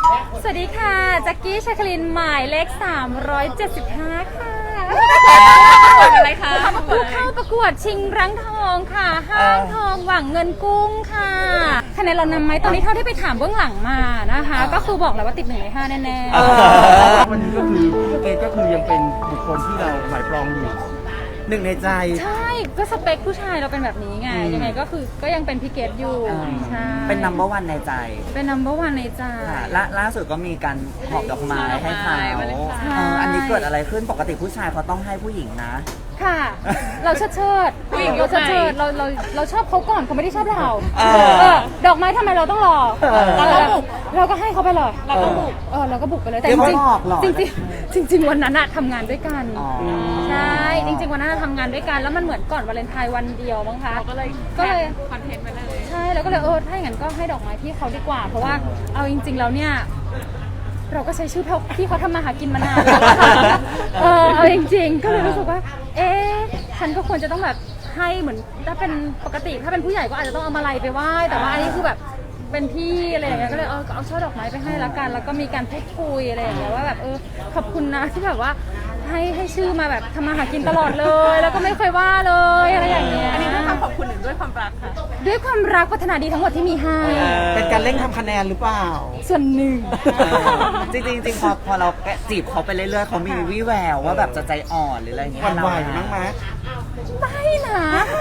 สวัสดีค่ะแจ็คกี้ชาคลินหมายเลข375ค่ะอะไรคะผู้เข้าประกวดชิงรั้งทองค่ะห้างทองหวังเงินกุ้งค่ะคะแนนเรานำไหมตอนนี้เท่าที่ไปถามเบื้องหลังมานะคะก็คือบอกแล้วว่าติด1 ใน 5แน่ๆวันนี้ก็คือเกรทก็คือยังเป็นบุคคลที่เราหมายปรองอยู่หนึ่งในใจใช่ก็สเปคผู้ชายเราเป็นแบบนี้ไงยังไงก็คือก็ยังเป็นพี่เกดอยู่ใช่เป็น number one ในใจเป็น number one ในใจล่าสุดก็มีการหอบดอกไม้ให้เขาอันนี้เกิดอะไรขึ้นปกติผู้ชายเขาต้องให้ผู้หญิงนะค่ะเราเชิดเราชอบเขาก่อนเขาไม่ได้ชอบเราดอกไม้ทำไมเราต้องรอเราบุกเราก็ให้เขาไปเลยเราก็บุกเราก็บุกไปเลยแต่จริงวันนั้นทำงานด้วยกันใช่จริงๆวันนั้นทำงานด้วยกันแล้วมันเหมือนก่อนวาเลนไทน์วันเดียวมั้งคะก็เลยคอนเทนต์ไปเลยใช่แล้วก็เลยถ้าอย่างนั้นก็ให้ดอกไม้พี่เขาดีกว่าเพราะว่าเอาจริงๆแล้วเนี่ยเราก็ใช้ชื่อพี่เขาทำมาหากินมานานแล้วเอาจริงๆก็เลยรู้สึกว่าฉันก็ควรจะต้องแบบให้เหมือนถ้าเป็นปกติถ้าเป็นผู้ใหญ่ก็อาจจะต้องเอามาลัยไปไหว้แต่ว่าอันนี้คือแบบเป็นพี่อะไรอย่างเงี้ยก็เลยเอาช่อดอกไม้ไปให้ละกันแล้วก็มีการพูดคุยอะไรอย่างเงี้ยว่าแบบขอบคุณนะที่แบบว่าให้ชื่อมาแบบทำมาหากินตลอดเลยแล้วก็ไม่เคยว่าเลยอะไรอย่างเงี้ยอันนี้ด้วยความขอบคุณหรือด้วยความรักค่ะด้วยความรักพัฒนาดีทั้งหมดที่มีให้เป็นการเร่งทำคะแนนหรือเปล่าส่วนหนึ่งจริงพอเราจีบเขาไปเรื่อยๆเขามีวิแววว่าแบบจะใจอ่อนหรืออะไรอย่างเงี้ยหวั่นไหวมั้งไหมไม่นะ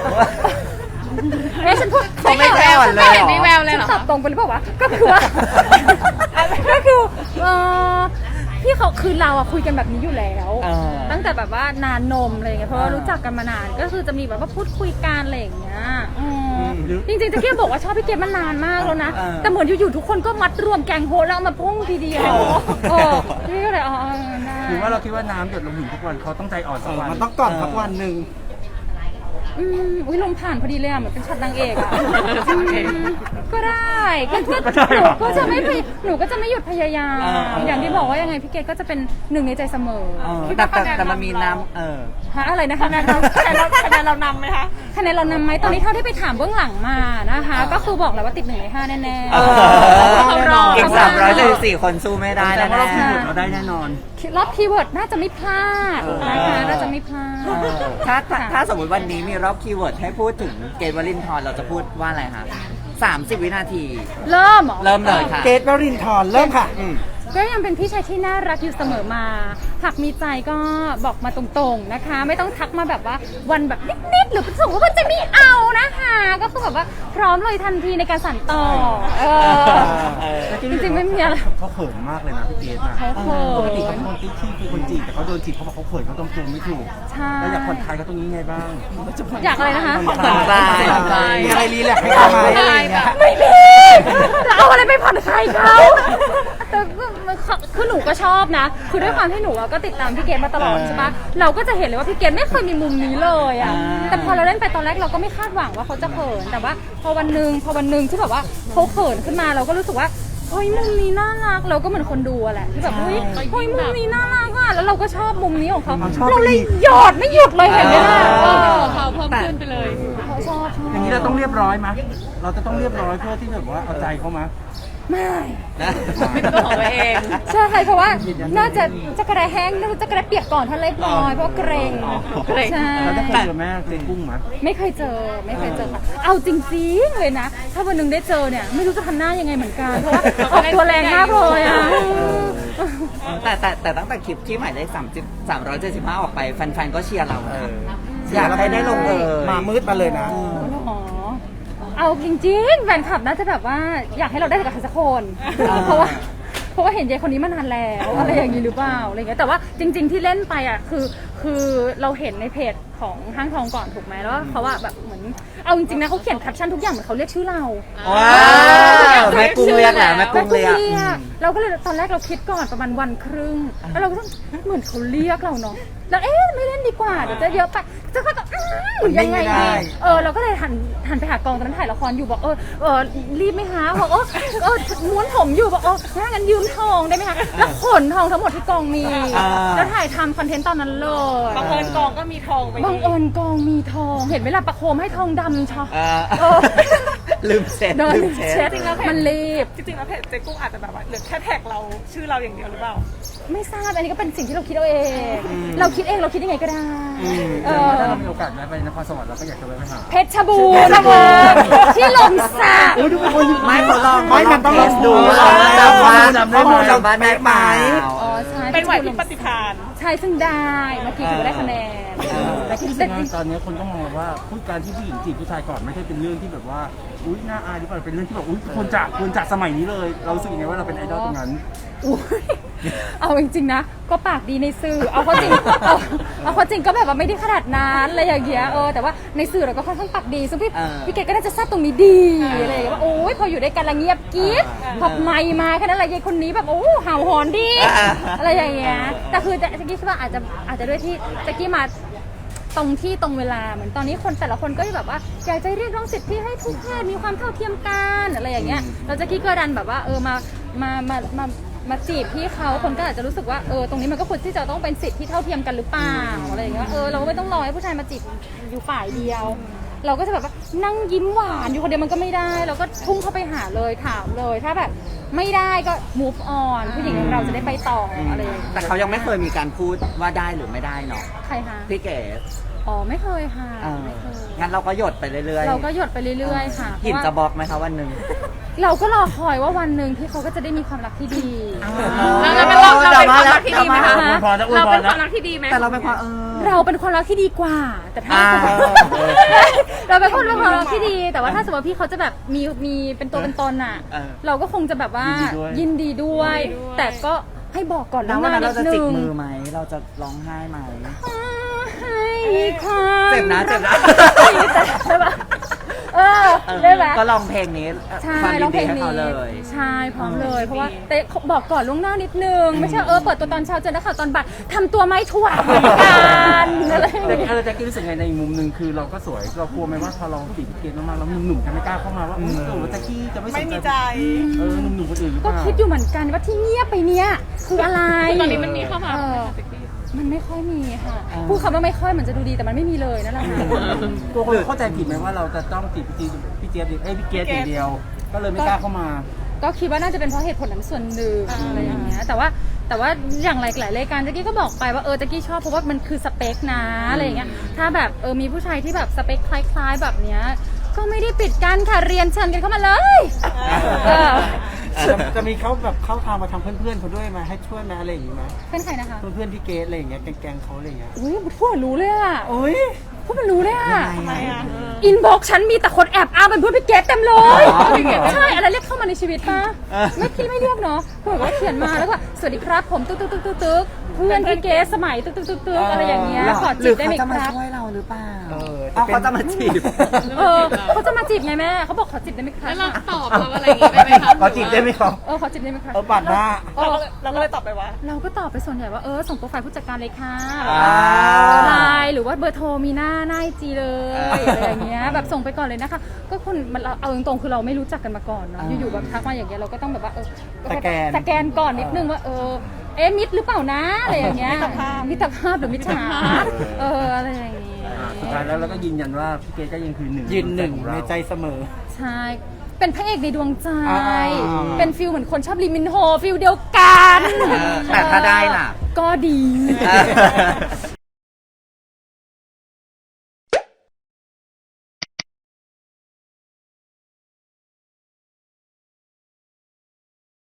ฉันพูดไม่แววเลยไม่เห็นมีแววเลยเหรอตอบตรงไปหรือเปล่าวะก็คือว่าพี่เขาคือเราคุยกันแบบนี้อยู่แล้วตั้งแต่แบบว่านานนมอะไรอย่างเงี้ยเพราะว่ารู้จักกันมานานก็คือจะมีแบบว่าพูดคุยกันอะไรอย่างเงี้ยจริงๆจะแค่บอกว่าชอบพี่เกดมานานมากแล้วนะแต่เหมือนอยู่ๆทุกคนก็มัดรวมแกงโฮแล้วมาพุ่งทีเดียวพี่ก็เลยหรือว่าเราคิดว่าน้ำหยดลงหินทุกวันเขาต้องใจอ่อนสักวันมันต้องก่อนสักวันหนึ่งลมผ่านพอดีเลยเหมือนเป็นช็อตนางเอกก็ได้หนูก็จะไม่หยุดพยายามอย่างที่บอกว่ายังไงพี่เกดก็จะเป็น1 ในใจเสมอแต่มันมีน้ำอะไรนะคะคะแนนเรานำไหมคะคะแนนเรานำไหมตอนนี้เท่าที่ไปถามเบื้องหลังมานะคะก็คือบอกแล้วว่าติด1 ใน 5แน่ๆอีก374คนสู้ไม่ได้แน่ๆเราได้แน่นอนรอบคีย์เวิร์ดน่าจะไม่พลาดนะคะน่าจะไม่พลาดถ้าสมมติวันนี้มีรอบคีย์เวิร์ดให้พูดถึงเกรทวรินทร์เราจะพูดว่าอะไรคะ30 วินาทีเริ่มเลยค่ะเกรทวรินทร์เริ่มค่ะก็ยังเป็นพี่ชายที่น่ารักอยู่เสมอมาหากมีใจก็บอกมาตรงๆนะคะไม่ต้องทักมาแบบว่าวันแบบนิดๆหรือส่งว่าจะไม่เอานะคะก็คือแบบว่าพร้อมเลยทันทีในการสั่นต่อจริงๆไม่มีอะไรเขาเขินมากเลยนะพี่เกรทนะเขาเขินปกติเขาเป็นคนที่คือคนจีบแต่เขาโดนจีบเขาบอกเขาเขินเขาตรงตัวไม่ถูกแล้วอยากผ่อนคลายเขาตรงนี้ไงบ้างอยากอะไรนะคะผ่อนคลายมีอะไรรีแลกซ์ให้เขาไหมอะไรอย่างเงี้ยไม่มีเอาอะไรไปผ่อนคลายเขาแต่คือหนูก็ชอบนะคือด้วยความที่หนูก็ติดตามพี่เกดมาตลอดใช่ปะเราก็จะเห็นเลยว่าพี่เกดไม่เคยมีมุมนี้เลยอ่ะแต่พอเราเล่นไปตอนแรกเราก็ไม่คาดหวังว่าเขาจะเขินแต่ว่าพอวันหนึ่งที่แบบว่าเขาเขินขึ้นมาเราก็รู้สึกว่าเฮ้ยมุมนี้น่ารักเราก็เหมือนคนดูแหละที่แบบเฮ้ยมุมนี้น่ารักอ่ะแล้วเราก็ชอบมุมนี้ของเขาเราเลยหยอดไม่หยุดเลยเห็นไหมล่ะเขาเพิ่มขึ้นไปเลยเขาชอบอย่างนี้เราต้องเรียบร้อยมั้ยเราจะต้องเรียบร้อยเพื่อที่แบบว่าเอาใจเขามั้ยไม่เป็นตัวของตัวเองใช่เพราะว่าน่าจะกระไรแห้งน่าจะกระไรเปียกก่อนถ้าเล็กน้อยเพราะเกรงใช่แล้วได้เคยเจอแม่เจอกุ้งไหมไม่เคยเจอค่ะเอาจริงๆเลยนะถ้าวันหนึ่งได้เจอเนี่ยไม่รู้จะทำหน้ายังไงเหมือนกันเพราะว่าออกตัวแรงมากเลยอ่ะแต่ตั้งแต่คลิปที่หมายเลข375ออกไปแฟนๆก็เชียร์เราอยากให้ได้ลงมามืดมาเลยนะเอาจริงๆแฟนคลับน่าจะแบบว่าอยากให้เราได้กับใครสักคนเพราะว่าเห็นยายคนนี้มานานแล้วอะไรอย่างนี้หรือเปล่าอะไรเงี้ยแต่ว่าจริงๆที่เล่นไปอ่ะคือเราเห็นในเพจของห้างทองก่อนถูกไหมแล้วเขาว่าแบบเหมือนเอาจริงๆนะเขาเขียนแคปชั่นทุกอย่างเหมือนเขาเรียกชื่อเราแม่กุ้งเรียกแหละแม่กุ้งเรียกเราก็เลยตอนแรกเราคิดก่อนประมาณวันครึ่งแล้วเราก็ต้องเหมือนเขาเรียกเราเนาะแล้วไม่เล่นดีกว่าเดี๋ยวจะเยอะไปจะก็ยังไงดีเราก็เลยหันไปหากองตอนนั้นถ่ายละครอยู่บอกรีบไหมคะบอกม้วนผมอยู่บอกถ้างั้นยืมทองได้ไหมคะแล้วขนทองทั้งหมดที่กองมีแล้วถ่ายทำคอนเทนต์ตอนนั้นเลยบังเอิญกองก็มีทองไปบังเอิญกองมีทองเห็นเวลาประโคมให้ทองดำชอลืมเช็ดโดนลืมเช็ดเช็ดมันรีบจริงๆแล้วเพจเจ๊กุ้งอาจจะแบบว่าเหลือแค่แท็กเราชื่อเราอย่างเดียวหรือเปล่าไม่ทราบอันนี้ก็เป็นสิ่งที่เราคิดเอาเอง เราคิดเองเราคิดยังไงก็ได้เอแต่ว่าอถ้าเรามีโอกาสแวะไปนครสวรรค์เราก็อยากจะแวะไปหาเพชรบูรณ์นะเวอที่หลมสักอุ้ยทุกคนไม่เขาลองไม่มันต้องเทสดูลองจำว่าจำได้ข้อไหมมูลจำบ้านได้ไหมอ๋อใช่เป็นไหวพริบปฏิภาณใช่ซึ่งได้เมื่อกี้ถือว่าได้คะแนนแต่ที่แต่แต่ตอนนี้คนก็มองว่าพูดการที่ผู้หญิงจีบผู้ชายก่อนไม่ใช่เป็นเรื่องที่แบบว่าอุ้ยน่าอายหรือเปล่าเป็นเรื่องที่แบบอุ้ยควรจะสมัยนี้เลย เรารู้สึกยังไงว่าเราเป็นไอดอลตรงนั้นอุ๊ยเอาจริงๆนะก็ปากดีในสื่อเอาเข้าจริงเอาเข้าจริงก็แบบว่าไม่ได้ขนาดนั้นอะไรอย่างเงี้ยแต่ว่าในสื่อเราก็ค่อนข้างปากดีซึ่งพี่เกดก็น่าจะทราบตรงนี้ดีอะไรอย่างเงี้ยว่าโอ้ยพออยู่ด้วยกันละเงียบกิ๊บพอไมค์มาแค่นั้นแหละยายคนนี้แบบโอ้เห่าหอนดีอะไรอย่างเงี้ยแต่คือแจ็กกี้คิดว่าอาจจะด้วยที่แจ็กกี้มาตรงที่ตรงเวลาเหมือนตอนนี้คนแต่ละคนก็แบบว่าอยากจะเรียกร้องสิทธิให้ทุกเพศมีความเท่าเทียมกันอะไรอย่างเงี้ยเราแจ็กกี้ก็ดันแบบว่ามาจีบพี่เขาคนก็อาจจะรู้สึกว่าตรงนี้มันก็ควรที่จะต้องเป็นสิทธิที่เท่าเทียมกันหรือเปล่าอะไรอย่างเงี้ยเราก็ไม่ต้องรอให้ผู้ชายมาจีบอยู่ฝ่ายเดียว เราก็จะแบบว่านั่งยิ้มหวานอยู่คนเดียวมันก็ไม่ได้เราก็ทุ่งเข้าไปหาเลยถามเลยถ้าแบบไม่ได้ก็ move on ผู้หญิงอย่างเราจะได้ไปต่ออะไรอย่างเงี้ยแต่เขายังไม่เคยมีการพูดว่าได้หรือไม่ได้เนาะใครคะพี่เก๋อ๋อไม่เคยค่ะ ไม่เคยงั้นเราก็หยดไปเรื่อยๆเราก็หยดไปเรื่อยๆค่ะหินเพราะจะว่าบล็อกไหมคะวันหนึ่งเราก็รอคอยว่าวันหนึ่งที่เขาก็จะได้มีความรักที่ดีเราเป็นความรักที่ดีไหมคะอวยพรนะอวยเราพเป็รนนะความรักที่ดีไหมแต่เราเป็นความเราเป็นความรักที่ดีกว่า แต่ถ้าอ่าเราเป็นคนเป็นความรักที่ดี แต่ว่าถ้าสมมติว่าพี่เขาจะแบบมีเป็นตัวเป็นตนอ่ะ เราก็คงจะแบบว่ายินดีด้วย แต่ก็ให้บอกก่อนแล้วล่วงหวันน้านั้นนิเราดจะนึจิกงมือไหม เราจะร้องไห้ไหมให้ความเจ็บนะเจ็บนะใช่ปะได้ไหมก็ลองเพลงนี้ใช่ความยิร้องนเพดีลงให้นี้เขาเลยใช่พร้อมเลยเพราะว่าเต้บอกก่อนล่วงหน้านิดนึงไม่ใช่เปิดตัวตอนเช้าเจอนักข่าวตอนบ่ายทำตัวไม่ถ่วงเหมือนกันอะไรอย่างแต่เงี้ยแจ็คกี้รู้สึกไงในมุมหนึ่งคือเราก็สวยเรากลัวไหมว่าพอเราจีบเกณฑ์มากๆแล้วหนุ่มๆจะไม่กล้าเข้ามาว่าแจ็คกี้จะไม่สไม่นมีใจหนุ่มๆคนอื่นหรือเปก็ล่าคิดอยู่เหมือนกันว่าที่เงียบไปเนี้ยคืออะไรตอนนี้มันมีเข้ามามันไม่ค่อยมีค่ะพูดคำว่าไม่ค่อยเหมือนจะดูดีแต่มันไม่มีเลยนั่นแหละค่ะตัวคนเข้าใจผิดไหมว่าเราจะต้องจีบพี่เจี๊ยบพี่เกดอย่างเดียว ก็เลยไม่กล้าเข้ามาก็คิดว่าน่าจะเป็นเพราะเหตุผลนั้นส่วนหนึ่งอะไรอย่างเงี้ยแต่ว่าอย่างหลายรายการแจ๊กกี้ก็บอกไปว่าแจ๊กกี้ชอบเพราะว่ามันคือสเปคนะอะไรอย่างเงี้ยถ้าแบบมีผู้ชายที่แบบสเปคคล้ายๆแบบเนี้ยก็ไม่ได้ปิดกันค่ะเรียนเชิญกันเข้ามาเลยจะมีเขาแบบเข้าทางมาทางเพื่อนๆเขาด้วยไหมให้ช่วยไหมอะไรอย่างงี้ไหมเป็นใครนะคะเพื่อนๆพี่เกดอะไรอย่างเงี้ยแกงๆเขาอะไรอย่างเงี้ยอุ้ยพูดรู้เลยอ่ะโอ้ยพูดมันรู้เลยอ่ะทำไมอ่ะอินบ็อกฉันมีแต่คนแอบอ้างเป็นเพื่อนพี่เกดเต็มเลยอ๋อจริงเหรอใช่อะไรเรียกเข้ามาในชีวิตปะไม่พี่ไม่เรียกเนาะคือแบบว่าเขียนมาแล้วก็สวัสดีครับผมตึ๊กตึ๊กตึ๊กตึ๊กตึ๊กเพื่อนพี่เกดสมัยตึ๊กตึ๊กตึ๊กตึ๊กอะไรอย่างเงี้ยขอหจีรืบได้ไหมเขาจะคมารับช่วยเราหรือเปล่าจะเป็นเขาจะมาจีบเขาจะมาจีบไงแม่เขาบอกขอจีบได้ไหมครับแล้วเราตอบเราอะไรอย่างงี้ได้ไหมคะขอจีบได้ไหมครับขอจีบได้ไหมครับบัตรหน้าเราก็เลยตอบไปว่าเราก็ตอบไปส่วนใหญ่ว่าส่งโปรไฟล์ผู้จัดการเลยค่ะอ่าไลน์หรือว่าเบอร์โทรมีหน้าไอจีเลยอะไรอย่างเงี้ยแบบส่งไปก่อนเลยนะคะก็คนมันเอาตรงๆคือเราไม่รู้จักกันมาก่อนเนาะอยู่ๆแบบทักมาอย่างเงี้ยเราก็ต้องแบบว่าสแกนก่อนนิดนึงว่ามิดหรือเปล่านะอะไรอย่างเงี้ยมิตรภาพหรือมิจฉาอะไรอย่างเงี้ยสุดท้ายแล้วเราก็ยืนยันว่าพี่เกดก็ยังคือหนึ่งยืนหนึ่งของเราในใจเสมอใช่เป็นพระเอกในดวงใจอ่าเป็นฟิลเหมือนคนชอบลิมินโฮฟิลเดียวกันแต่ถ้าได้ล่ะก็ดี